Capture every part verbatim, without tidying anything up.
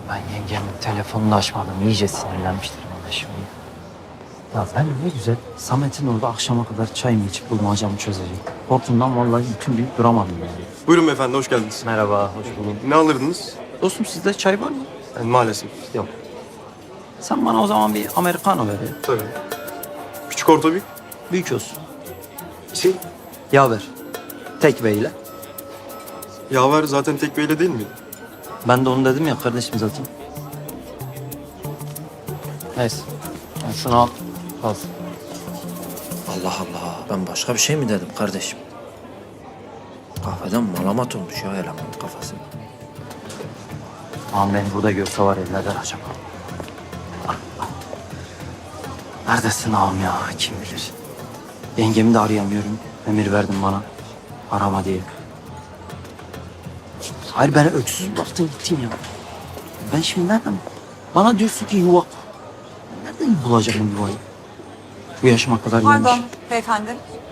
Ben yengemin telefonunu açmadım. İyice sinirlenmiştir bana şimdi. Ya ben ne güzel Samet'in orada akşama kadar çay mı içip bulmacamı çözecek. Korkumdan vallahi bütün gün duramadım yani. Buyurun beyefendi, hoş geldiniz. Merhaba, hoş bulduk. Ne alırdınız? Dostum sizde çay var mı? Yani maalesef. Yok. Sen bana o zaman bir Americano ver ya. Tabii. Küçük orta büyük. Büyük olsun. Şey, Yaver. Tekve ile. yaver zaten tek beyle değil miydi? Ben de onu dedim ya kardeşim zaten. Neyse. Sen şunu al. Al. Allah Allah. Ben başka bir şey mi dedim kardeşim? Kahveden malamat olmuş ya elemanın kafası. Ağam beni burada görse var ya ne der acaba? Neredesin ağam ya? Kim bilir? Yengemi de arayamıyorum. Emir verdin bana. Arama diye. Hayır beni öksüz bıraktın gittin ya. Ben şimdi nereden? Bana diyorsun ki yuva. Nereden bulacağım yuvayı? Bu yaşıma kadar Pardon gelmiş. beyefendi.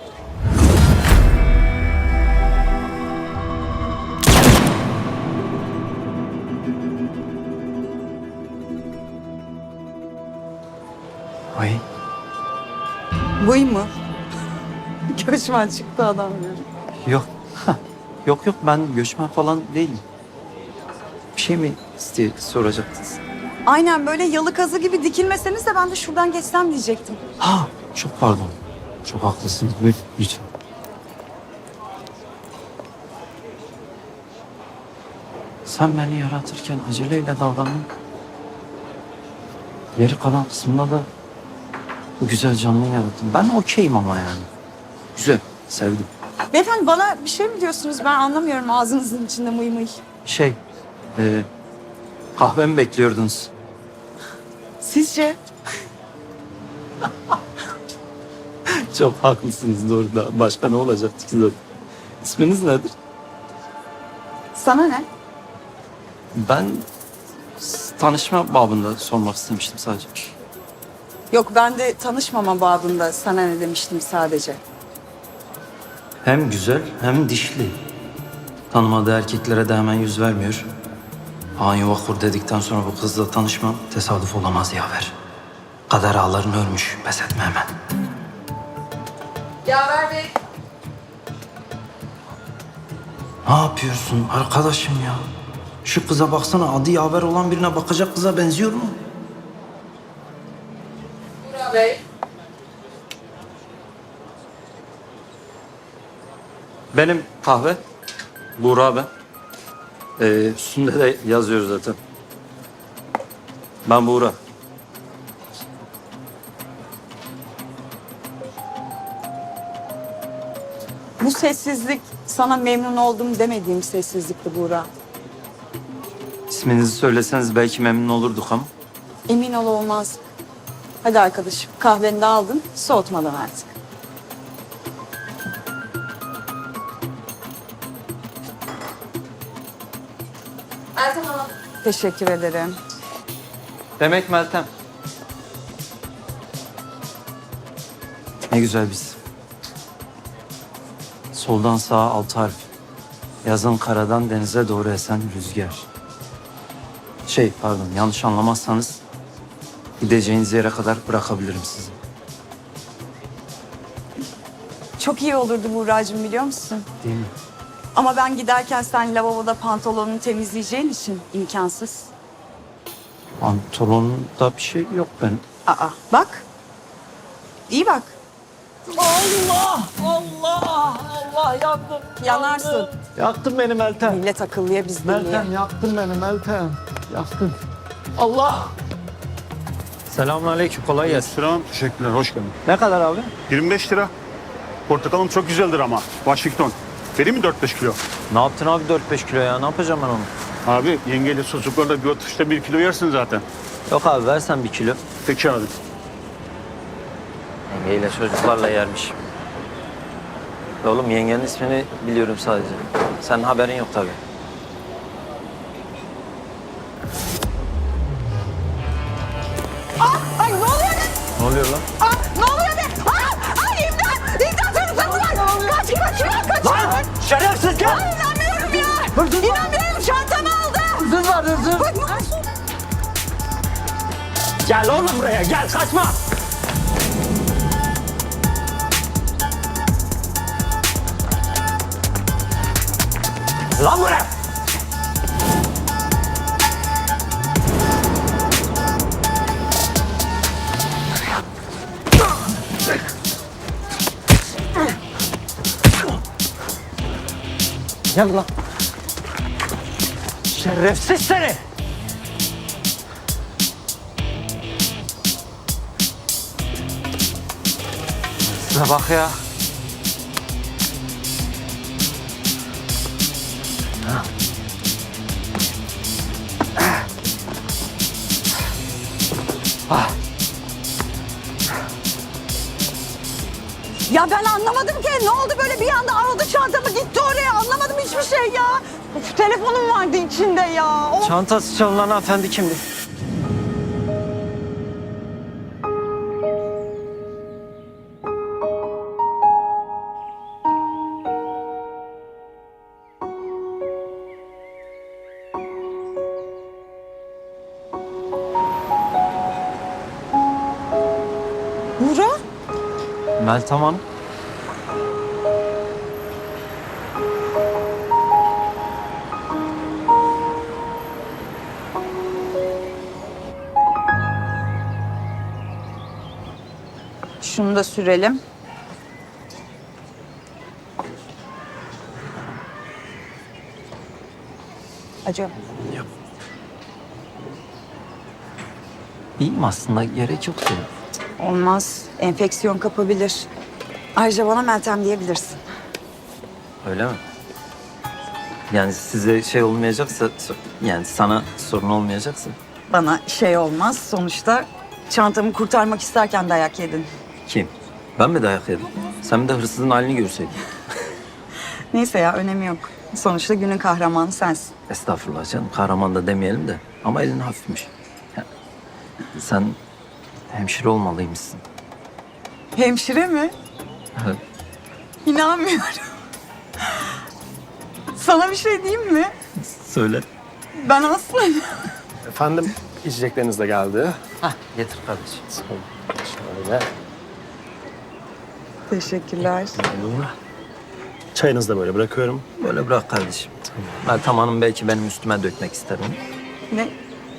Ay. Buy mu? Göçmen çıktı adam ya. Yok. Yok yok ben göçmen falan değilim. Bir şey mi isteye soracaktınız? Aynen böyle yalı kazı gibi dikilmeseniz de ben de şuradan geçsem diyecektim. Ha çok pardon. Çok haklısınız. Buyurun lütfen. Sen beni yaratırken aceleyle davrandın. Geri kalan kısmında da bu güzel canlıyı yarattın. Ben okeyim ama yani. Güzel, sevdim. Beyefendi bana bir şey mi diyorsunuz? Ben anlamıyorum ağzınızın içinde mıy mıy. Şey, e, kahve mi bekliyordunuz? Sizce? Çok haklısınız doğrudan. Başka ne olacaktı ki zaten? İsminiz nedir? Sana ne? Ben s- tanışma babında sormak istemiştim sadece. Yok ben de tanışmama babında sana ne demiştim sadece. Hem güzel hem dişli. Tanımadığı erkeklere de hemen yüz vermiyor. Han yuva kur dedikten sonra bu kızla tanışmam tesadüf olamaz yaver. Kader ağlarını örmüş. Pes etme hemen. Yaver Bey. Ne yapıyorsun arkadaşım ya? Şu kıza baksana adı yaver olan birine bakacak kıza benziyor mu? Burak Bey. Benim kahve. Buğra ben. Ee, üstünde de yazıyor zaten. Ben Buğra. Bu sessizlik sana memnun oldum demediğim sessizlikti Burak. İsminizi söyleseniz belki memnun olurduk ama. Emin ol olmaz. Hadi arkadaşım kahveni de aldın soğutmadan artık. Meltem Hanım. Teşekkür ederim. Demek Meltem. Ne güzel biz. Soldan sağa altı harf. Yazın karadan denize doğru esen rüzgar. Şey pardon yanlış anlamazsanız gideceğiniz yere kadar bırakabilirim sizi. Çok iyi olurdu Buğra'cığım biliyor musun? Değil mi? Ama ben giderken sen lavaboda pantolonunu temizleyeceğin için imkansız. Pantolonunda bir şey yok benim. Aa bak. İyi bak. Allah! Allah! Allah yandım. Yanarsın. Yaktın beni Meltem. Millet akıllıya biz Meltem deliye. yaktın beni Meltem. Yaktın. Allah! Selamünaleyküm kolay gelsin. Selam, teşekkürler, hoş geldin. Ne kadar abi? yirmi beş lira. Portakalım çok güzeldir ama. Washington. Vereyim mi dört beş kilo? Ne yaptın abi dört beş kilo ya ne yapacağım ben onu? Abi yengeyle sucuklarla bir oturuşta bir kilo yersin zaten. Yok abi versen bir kilo. Peki abi. Yengeyle çocuklarla yermiş. Oğlum yengenin ismini biliyorum sadece. Senin haberin yok tabii. Ay ne oluyor be? Ne oluyor lan? Aa, ne oluyor be? Aa, ay imdat! İmdat çocuklar bunlar! Kaç kaç kaç kaç! Lan! Şerefsiz gel! Ay inanmıyorum ya! Hırsız var. İnanmıyorum çantamı aldı! Hırsız var hırsız. Bak, Gel oğlum buraya gel kaçma. Lan buraya. Gel lan. Şerefsiz seni. Size bak ya. Ya ben anlamadım ki. Ne oldu böyle bir anda aradı çantamı gitti oraya. Anlamadım hiçbir şey ya. Of, telefonum vardı içinde ya. Of. Çantası çalınan hanımefendi kimdi? Buğra? Meltem Hanım. Şunu da sürelim. Acaba İyiyim aslında, gerek yoktu. olmaz. Enfeksiyon kapabilir. Ayrıca bana Meltem diyebilirsin. Öyle mi? Yani size şey olmayacaksa, yani sana sorun olmayacaksa. Bana şey olmaz. Sonuçta çantamı kurtarmak isterken dayak yedin. Kim? Ben mi dayak yedim? Sen de hırsızın halini görseydin. Neyse ya önemi yok. Sonuçta günün kahramanı sensin. Estağfurullah canım, kahraman da demeyelim de. Ama elin hafifmiş. Ya, sen hemşire olmalıymışsın. Hemşire mi? Evet. İnanmıyorum. Sana bir şey diyeyim mi? Söyle. Ben aslında... Efendim, içecekleriniz de geldi. Hah, getir kardeşim. Şöyle. Teşekkürler. Çayınızı da böyle bırakıyorum. Böyle bırak kardeşim. Meltem Hanım belki benim üstüme dökmek ister onu. Ne?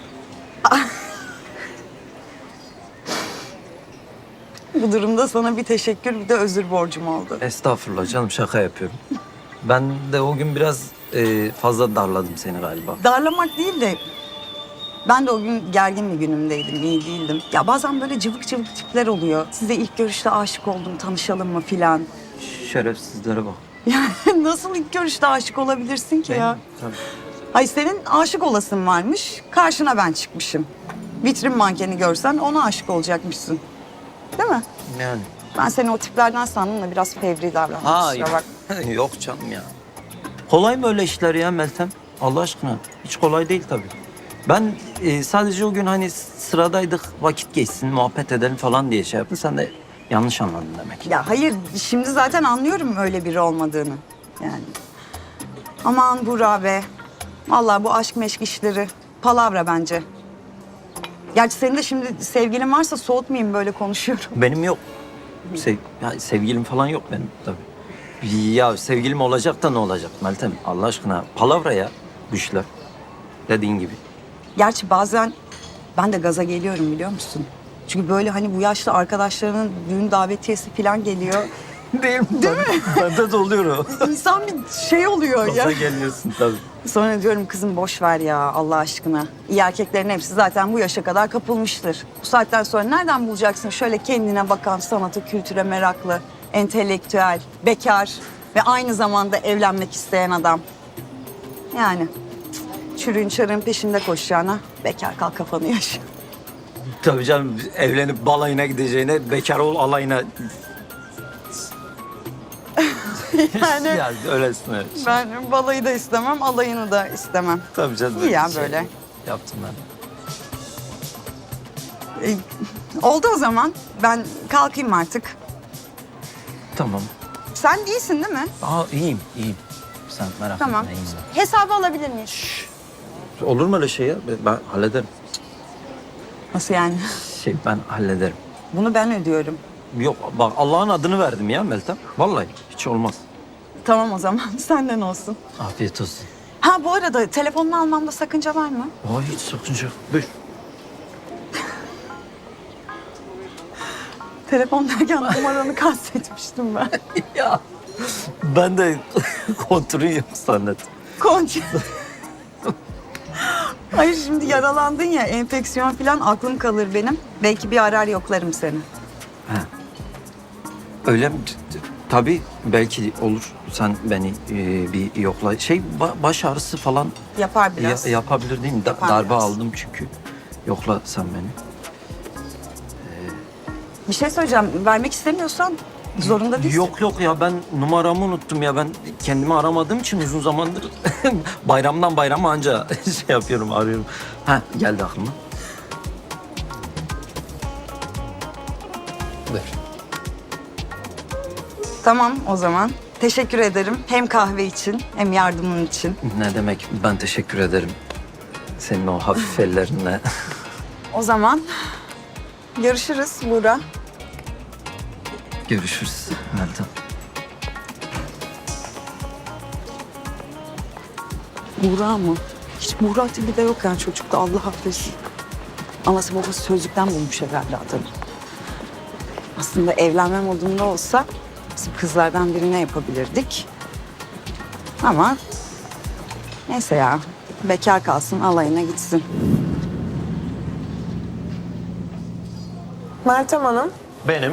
Bu durumda sana bir teşekkür bir de özür borcum oldu. Estağfurullah canım, şaka yapıyorum. Ben de o gün biraz e, fazla darladım seni galiba. Darlamak değil de ben de o gün gergin bir günümdeydim, iyi değildim. Ya bazen böyle cıvık cıvık tipler oluyor. Size ilk görüşte aşık oldum, tanışalım mı filan. Şerefsizlere bak. Yani nasıl ilk görüşte aşık olabilirsin ki ya? Tabii. Ay senin aşık olasın varmış, karşına ben çıkmışım. Vitrin mankeni görsen ona aşık olacakmışsın. Değil mi? Yani. Ben seni o tiplerden sandım da biraz fevri davrandım. Hayır. Kusura bak. Yok canım ya. Kolay mı öyle işler ya Meltem? Allah aşkına. Hiç kolay değil tabii. Ben e, sadece o gün hani sıradaydık, vakit geçsin, muhabbet edelim falan diye şey yaptın. Sen de yanlış anladın demek. Ya hayır, şimdi zaten anlıyorum öyle biri olmadığını. Yani. Aman Buğra be. Vallahi bu aşk meşk işleri palavra bence. Gerçi senin de şimdi sevgilin varsa soğutmayayım böyle konuşuyorum. Benim yok. Sev, ya sevgilim falan yok benim tabii. Ya sevgilim olacak da ne olacak Meltem? Allah aşkına palavra ya bu işler. Dediğin gibi. Gerçi bazen ben de gaza geliyorum biliyor musun? Çünkü böyle hani bu yaşlı arkadaşlarının düğün davetiyesi falan geliyor. Değil mi? Değil mi? Bende de oluyor o. İnsan bir şey oluyor ya. Gaza geliyorsun tabii. Sonra diyorum kızım boş ver ya Allah aşkına. İyi erkeklerin hepsi zaten bu yaşa kadar kapılmıştır. Bu saatten sonra nereden bulacaksın şöyle kendine bakan, sanata, kültüre meraklı, entelektüel, bekar ve aynı zamanda evlenmek isteyen adam. Yani çürüğün çarığın peşinde koşacağına bekar kal kafanı yaşa. Tabii canım, evlenip balayına gideceğine bekar ol alayına. Yani Ya öylesin öyle. ben balayı da istemem, alayını da istemem. Tabii canım. İyi ya şey böyle. Yaptım ben. Ee, oldu o zaman. Ben kalkayım artık. Tamam. Sen iyisin değil mi? Aa iyiyim, iyiyim. Sen merak Tamam. etme, iyiyim. Hesabı alabilir miyiz? Olur mu öyle şey ya? Ben hallederim. Nasıl yani? Şey ben hallederim. Bunu ben ödüyorum. Yok bak Allah'ın adını verdim ya Meltem. Vallahi hiç olmaz. Tamam o zaman senden olsun. Afiyet olsun. Ha bu arada telefonunu almamda sakınca var mı? Ay hiç sakınca yok. Buyur. Telefon derken numaranı kastetmiştim ben. Ya ben de kontrolü yok zannettim. Konca. Hayır şimdi yaralandın ya enfeksiyon falan aklım kalır benim. Belki bir arar yoklarım seni. Öyle mi? Tabii belki olur. Sen beni e, bir yokla. Şey ba- baş ağrısı falan Yapar ya- biraz. yapabilir değil mi? Da- Yapar darbe biraz. aldım çünkü. Yokla sen beni. Bir şey söyleyeceğim. Vermek istemiyorsan zorunda değilsin. Yok yok ya ben numaramı unuttum ya. Ben kendimi aramadığım için uzun zamandır bayramdan bayrama anca şey yapıyorum arıyorum. Ha geldi aklıma. Ver. Tamam o zaman. Teşekkür ederim. Hem kahve için hem yardımın için. Ne demek ben teşekkür ederim. Senin o hafif ellerinle. O zaman görüşürüz Buğra. Görüşürüz Meltem. Buğra mı? Hiç Buğra tipi de yok yani çocukta Allah affetsin. Anası babası sözlükten bulmuş herhalde adını. Aslında evlenme modunda olsa bizim kızlardan birine yapabilirdik. Ama neyse ya bekar kalsın alayına gitsin. Meltem Hanım. Benim.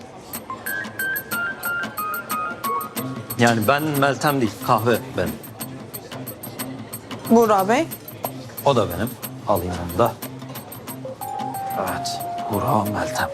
Yani ben Meltem değil, kahve benim. Buğra Bey. O da benim. Alayım onu da. Evet, Burak Meltem.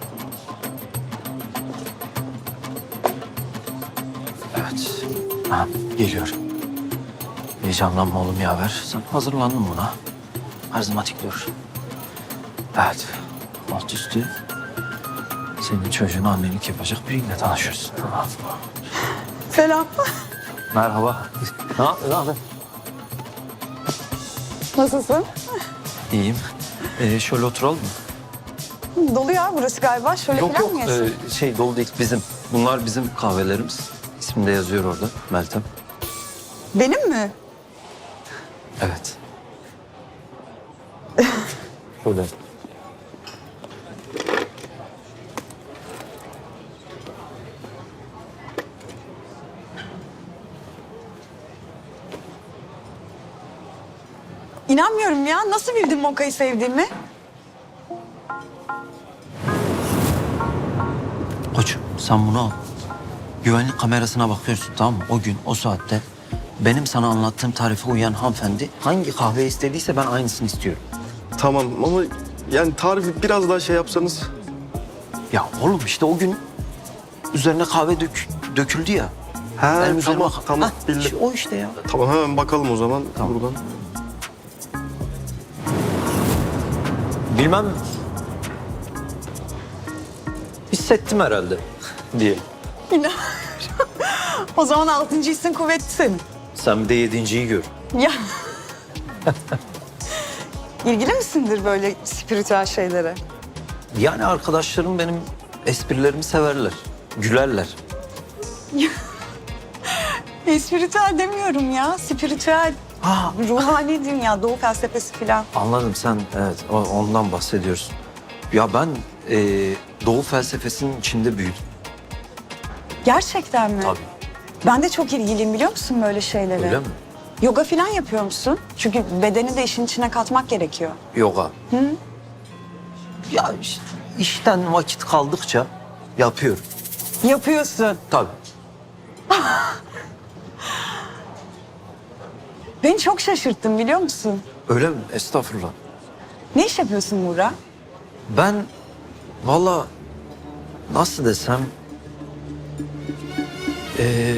Evet, ha, geliyorum. Heyecanlanma oğlum yaver. Sen hazırlandın buna. Karizmatik dur. Evet, alt üstü. Senin çocuğun annelik yapacak biriyle tanışıyorsun. Tamam. Selam. Merhaba. Ne yapıyorsun abi? Nasılsın? İyiyim. Ee, şöyle oturalım mı? Dolu ya burası galiba. Şöyle Yok falan yok mı yesin? ee, şey dolu değil bizim. Bunlar bizim kahvelerimiz. İsmi de yazıyor orada Meltem. Benim mi? Evet. Şöyle. İnanmıyorum ya. Nasıl bildin Moka'yı sevdiğimi? Koçum sen bunu al. Güvenlik kamerasına bakıyorsun tamam mı? O gün o saatte benim sana anlattığım tarife uyan hanımefendi hangi kahve istediyse ben aynısını istiyorum. Tamam ama yani tarifi biraz daha şey yapsanız. Ya oğlum işte o gün üzerine kahve dök, döküldü ya. Ha Benim üzerime- tamam tamam Hah, bildim. işte o işte ya. Tamam hemen bakalım o zaman Tamam. buradan. Bilmem. Hissettim herhalde diye. O zaman altıncı hissin kuvvetli senin. Sen bir de yedinciyi gör. Ya. İlgili misindir böyle spiritüel şeylere? Yani arkadaşlarım benim esprilerimi severler. Gülerler. E, spiritüel demiyorum ya. Spiritüel. Ha, Ruhani dünya, doğu felsefesi falan. anladım sen evet o- ondan bahsediyorsun. Ya ben e, Doğu felsefesinin içinde büyüdüm. Gerçekten mi? Tabii. Ben de çok ilgiliyim biliyor musun böyle şeylere? Öyle mi? Yoga falan yapıyor musun? Çünkü bedeni de işin içine katmak gerekiyor. Yoga. Hı? Ya işte işten vakit kaldıkça yapıyorum. Yapıyorsun. Tabii. Beni çok şaşırttın biliyor musun? Öyle mi? Estağfurullah. Ne iş yapıyorsun Buğra? Ben valla nasıl desem e,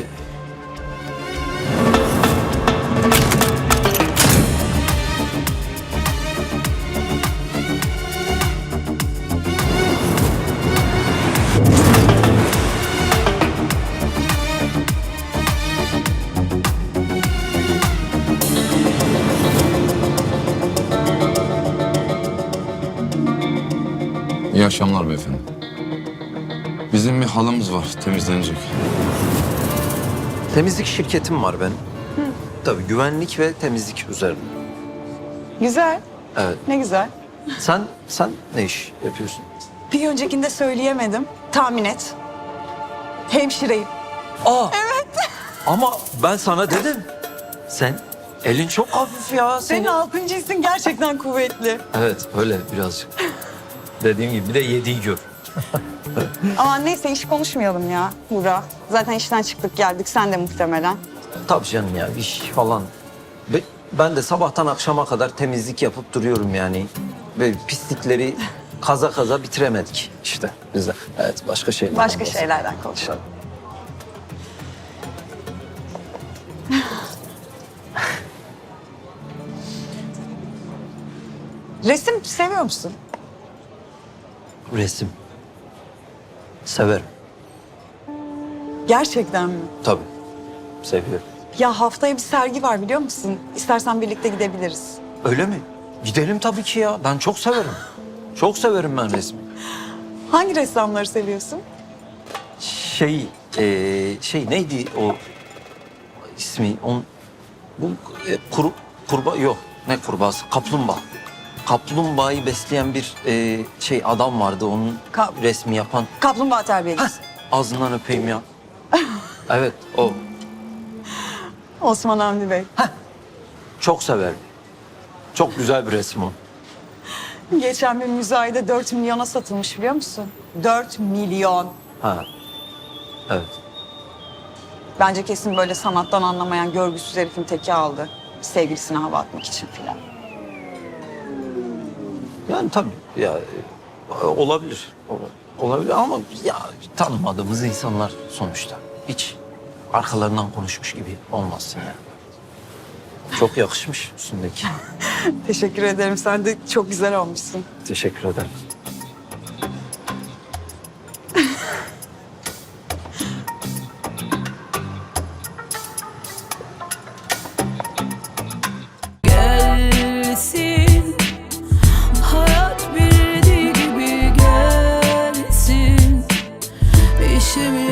İyi akşamlar beyefendi. Bizim bir halımız var, temizlenecek. Temizlik şirketim var benim. Tabii güvenlik ve temizlik üzerine. Güzel. Evet. Ne güzel. Sen sen ne iş yapıyorsun? Bir öncekinde söyleyemedim. Tahmin et. Hemşireyim. Aa. Evet. Ama ben sana dedim. Sen elin çok hafif ya. Senin altıncı hissin gerçekten kuvvetli. Evet öyle birazcık. Dediğim gibi bir de yediği gör. Ama neyse iş konuşmayalım ya Burak. Zaten işten çıktık geldik sen de muhtemelen. Tabii canım ya iş falan. Ve ben de sabahtan akşama kadar temizlik yapıp duruyorum yani. Ve pislikleri kaza kaza bitiremedik işte biz de. Evet başka şeyler. Başka şeylerden konuşalım. Resim seviyor musun? Resim. Severim. Gerçekten mi? Tabii. Seviyorum. Ya haftaya bir sergi var biliyor musun? İstersen birlikte gidebiliriz. Öyle mi? Gidelim tabii ki ya. Ben çok severim. Çok severim ben resmi. Hangi ressamları seviyorsun? Şey, eee, şey neydi o ismi? On, bu e, kuru, kurbağa yok. Ne kurbağası? Kaplumbağa. Kaplumbağayı besleyen bir e, şey adam vardı. Onun Ka- resmi yapan. Kaplumbağa terbiyecisi. Ağzından öpeyim ya. Evet o. Osman Hamdi Bey. Çok severim. Çok güzel bir resim o. Geçen bir müzayede dört milyona satılmış biliyor musun? Dört milyon. Ha. Evet. Bence kesin böyle sanattan anlamayan görgüsüz herifin teki aldı. Sevgilisine hava atmak için filan. Yani tabii ya e, olabilir. Ol- Olabilir ama ya tanımadığımız insanlar sonuçta. Hiç arkalarından konuşmuş gibi olmazsın yani. Çok yakışmış üstündeki. Teşekkür ederim. Sen de çok güzel olmuşsun. Teşekkür ederim. Gelsin, hayat bildiği gibi gelsin. İşimi